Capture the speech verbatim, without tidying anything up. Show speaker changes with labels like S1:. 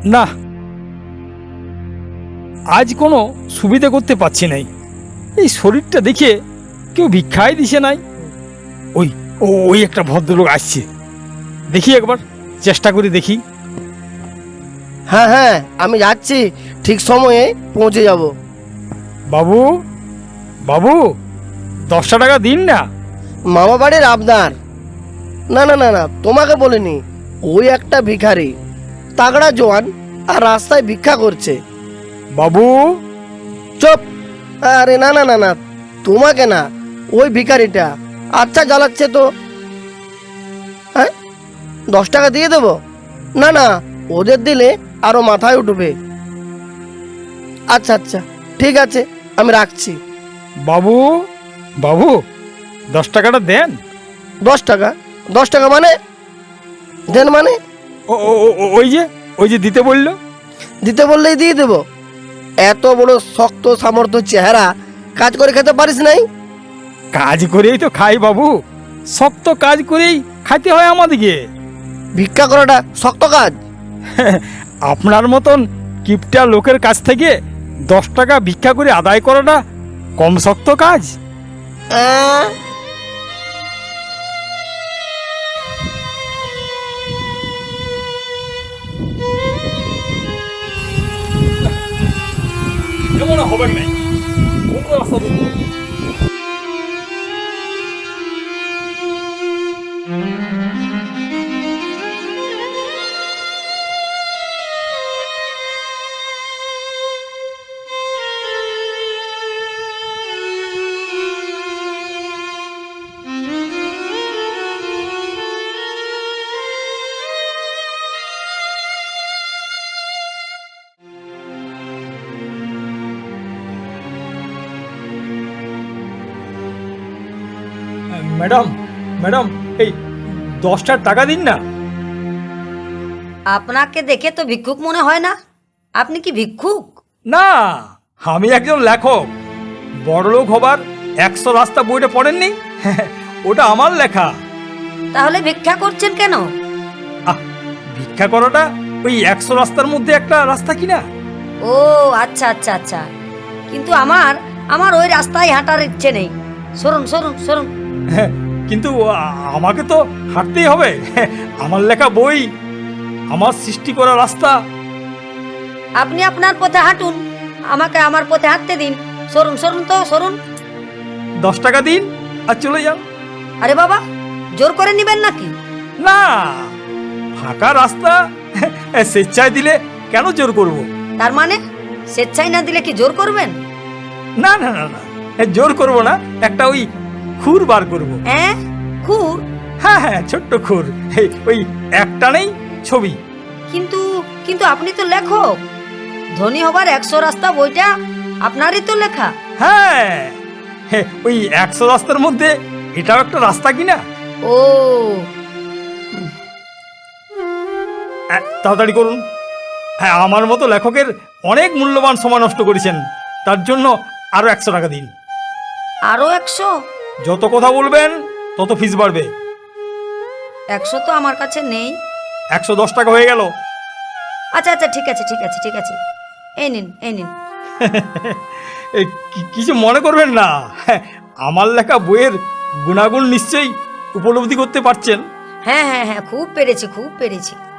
S1: না, আজ কোনো সুবিধা করতে পারছি নাই। এই শরীরটা দেখে কেউ ভিক্ষাই দিছে নাই। ওই ও ওই একটা ভদ্রলোক আসছে, দেখি একবার চেষ্টা করে দেখি।
S2: হ্যাঁ হ্যাঁ, আমি যাচ্ছি, ঠিক সময়ে পৌঁছে যাব।
S1: বাবু, বাবু, দশটা টাকা দিন না।
S2: মামা বাড়ির আবদার। না না না না, তোমাকে বলিনি। ওই একটা ভিখারি, তাগড়া জোয়ান, আর রাস্তায় ভিক্ষা করছে।
S1: বাবু,
S2: চুপ। আরে না না না না, তোমাকে না, ওই ভিখারিটা। আচ্ছা জ্বালাচ্ছে তো। হ্যাঁ, দশ টাকা দিয়ে দেবো? না না, ওদের দিলে আরো মাথায় উঠবে। আচ্ছা আচ্ছা, ঠিক আছে, আমি রাখছি।
S1: বাবু, বাবু, দশ টাকাটা দেন।
S2: দশ টাকা? দশ টাকা মানে? দেন মানে?
S1: ও ও, ও, ও, ওই যে ওই যে দিতে বললো।
S2: দিতে বললেই দিয়ে দেবো? এত বড় শক্ত সামর্থ্য চেহারা, কাজ করে খেতে পারিস নাই?
S1: কাজ করেই তো খাই বাবু, শক্ত কাজ করেই খাইতে হয় আমাদেরকে।
S2: ভিক্ষা করাটা শক্ত কাজ?
S1: আপনার মতন কিপটা লোকের কাছ থেকে দশ টাকা ভিক্ষা করে আদায় করাটা কম শক্ত কাজ?
S2: আহ,
S1: এমন হবে নাই। কোন রাস্তা ধরবো? ম্যাডাম, ম্যাডাম, এই দশটার টাকা দিন না।
S3: আপনাকে দেখে তো ভিক্ষুক মনে হয় না। আপনি কি ভিক্ষুক?
S1: না, আমি একজন লেখক। বড়লোক হবার একশো রাস্তা বইটা পড়েননি? ওটা আমার লেখা।
S3: তাহলে ভিক্ষা করছেন কেন?
S1: আহ, ভিক্ষা করাটা ওই একশো রাস্তার মধ্যে একটা রাস্তা কিনা।
S3: ও আচ্ছা আচ্ছা আচ্ছা, কিন্তু আমার আমার ওই রাস্তায় হাঁটার ইচ্ছে নেই। সরুন সরুন সরুন।
S1: কিন্তু আ- আমাকে তো হাঁটতেই হবে। আমার লেখা বই, আমার সৃষ্টি করা রাস্তা।
S3: আপনি আপনার পথে হাঁটুন, আমাকে আমার পথে হাঁটতে দিন। সরুন সরুন তো সরুন।
S1: দশ টাকা দিন আর চলে যান।
S3: আরে বাবা, জোর করে নিবেন নাকি?
S1: না, ফাঁকা রাস্তা স্বেচ্ছায় দিলে কেন জোর করব?
S3: তার মানে স্বেচ্ছায় না দিলে কি জোর করবেন?
S1: না না না না, জোর করব না। একটা ওই খুর বার করব।
S3: হ্যাঁ, খুর?
S1: হ্যাঁ হ্যাঁ, ছোট্ট খুর। এই ওই একটা নেই ছবি।
S3: কিন্তু কিন্তু আপনি তো লেখক। ধনী হবার একশো রাস্তা বইটা আপনারই তো লেখা।
S1: হ্যাঁ, হে, ওই একশো রাস্তার মধ্যে এটাও একটা রাস্তা কিনা।
S3: ও
S1: আহ, তাড়াতাড়ি করুন। হ্যাঁ, আমার মতো লেখকের অনেক মূল্যবান সময় নষ্ট করেছেন, তার জন্য আরো একশো টাকা দিন।
S3: আরো একশো?
S1: যত কথা বলবেন তত ফিস বাড়বে।
S3: একশো তো আমার কাছে নেই।
S1: একশো দশ টাকা হয়ে গেল।
S3: আচ্ছা আচ্ছা, ঠিক আছে ঠিক আছে ঠিক আছে, এই নিন এই নিন।
S1: এই কি- কিছু মনে করবেন না। হ্যাঁ, আমার লেখা বইয়ের গুণাগুণ নিশ্চয়ই উপলব্ধি করতে পারছেন।
S3: হ্যাঁ হ্যাঁ হ্যাঁ, খুব পেরেছি খুব পেরেছি।